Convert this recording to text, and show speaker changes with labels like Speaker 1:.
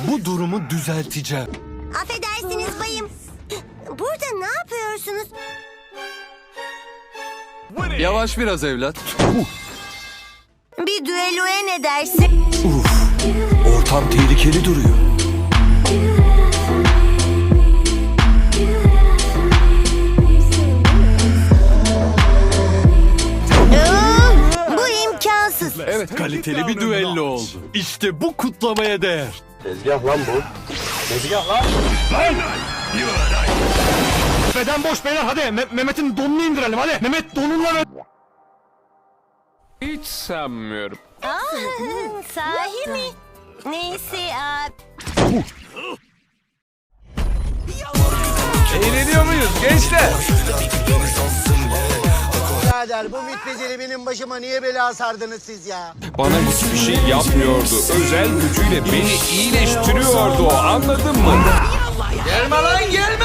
Speaker 1: Bu durumu düzelteceğim.
Speaker 2: Affedersiniz bayım. Burada ne yapıyorsunuz?
Speaker 1: Yavaş biraz evlat.
Speaker 2: Bir düelloya ne dersin?
Speaker 1: Ortam tehlikeli duruyor.
Speaker 2: Bu imkansız.
Speaker 1: Evet, kaliteli bir düello oldu. İşte bu kutlamaya değer.
Speaker 3: Tezgah lan bu. Tezgah lan.
Speaker 4: Beden boş beyler hadi. Mehmet'in donunu indirelim hadi. Mehmet donunla ve...
Speaker 5: Hiç sanmıyorum.
Speaker 2: Sahi mi? Neyse
Speaker 5: Eğleniyor muyuz gençler?
Speaker 6: Birader bu mütbeceli benim başıma niye bela sardınız siz ya?
Speaker 5: Bana hiçbir şey yapmıyordu. Özel gücüyle beni iyileştiriyordu. Anladın mı?
Speaker 6: Gelme lan gelme!